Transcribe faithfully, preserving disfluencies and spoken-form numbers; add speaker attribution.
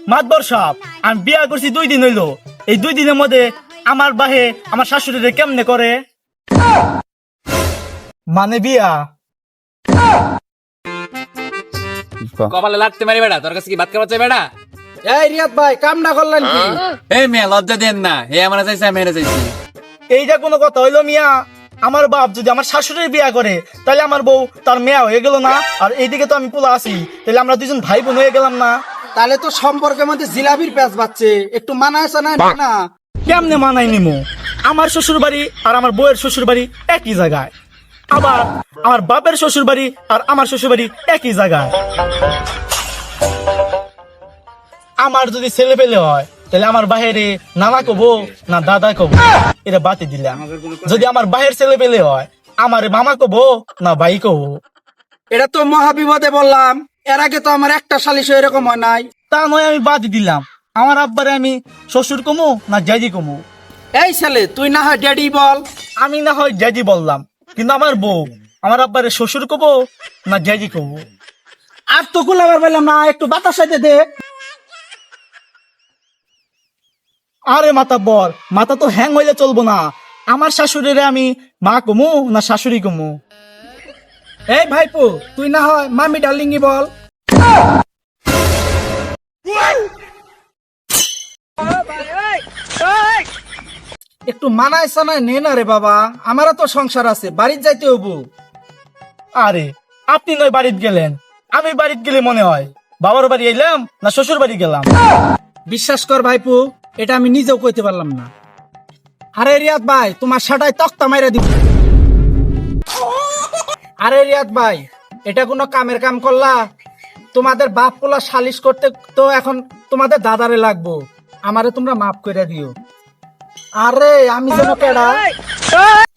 Speaker 1: মাতবর সাহেব, আমি বিয়া করছি দুই দিন হইলো। এই দুই দিনের মধ্যে আমার বাহে আমার শাশুড়িরে কেমনে করে? মানে বিয়া
Speaker 2: কপালে লাগতে মারি বেড়া, তোর কাছে কি ভাত খাওয়া চাই বেড়া?
Speaker 3: এই রিয়াদ ভাই কাম না করলেন কি?
Speaker 2: এই মেয়ে লজ্জা দেন না, হে আমরা চাইছি আমি এনে চাইছি।
Speaker 1: এইটা কোনো কথা হইলো মিয়া? আমার বাপ যদি আমার শাশুড়ির বিয়া করে তাহলে আমার বউ তার মেয়া হয়ে গেল না? আর এইদিকে তো আমি পোলা আছি, তাহলে আমরা দুজন ভাই বোন হয়ে গেলাম না?
Speaker 3: তাহলে তো সম্পর্কের মধ্যে জিলাপির প্যাঁচ বাচ্ছে, একটু মানায় চানায় না?
Speaker 1: কেমনে মানাই নিমু? আমার শ্বশুর বাড়ি আর আমার বউয়ের শ্বশুর বাড়ি একই জায়গায়, আবার আমার বাপের শ্বশুর বাড়ি আর আমার শ্বশুর বাড়ি একই জায়গায়। আমার যদি ছেলে পেলে হয় তাহলে আমার বাহিরে নানা কবো না দাদা কবো, এটা বাতি দিলাম। যদি আমার বাহির ছেলে পেলে হয় আমার মামা কবো না ভাই কবো।
Speaker 3: এটা তো মহাবিপদে বললাম, এর আগে তো আমার একটা সালিশ এরকম হয় নাই।
Speaker 1: তা নয় আমি বাতি দিলাম, আমার আব্বারে আমি শ্বশুর কমু না জাজি কমু?
Speaker 3: এই ছেলে তুই না হয় ড্যাডি বল।
Speaker 1: আমি না হয় জাজি বললাম, কিন্তু আমার বউ আমার আব্বারে শ্বশুর কবো না জাজি কবো?
Speaker 3: আর তো কুলাবার বললাম না, একটু বাতাস সাইতে দে।
Speaker 1: আরে মাথা বর, মাথা তো হ্যাং হইলে চলবো না। আমার শাশুড়িরে আমি মা কমু না শাশুড়ি কমু?
Speaker 3: এই ভাইপো তুই না হয় মামি ডার্লিঙ্গি বল। একটু মানায় সানায় নে না রে বাবা, আমারও তো সংসার আছে, বাড়ির যাইতে হবো।
Speaker 1: আরে আপনি নয় বাড়িতে গেলেন, আমি বাড়িতে গেলে মনে হয় বাবার বাড়ি এলাম না শ্বশুর বাড়ি গেলাম।
Speaker 3: বিশ্বাস কর ভাইপো, এটা আমি নিজেও কইতে পারলাম না। আরে রিয়াদ ভাই তোমার সাটায় তক্তা মাইরা দিব। আরে রিয়াদ ভাই এটা কোনো কামের কাম করলা? তোমাদের বাপ পোলা সালিশ করতে তো এখন তোমাদের দাদারে লাগবো, আমারে তোমরা মাফ করে দিও। আরে আমি যেন কেডা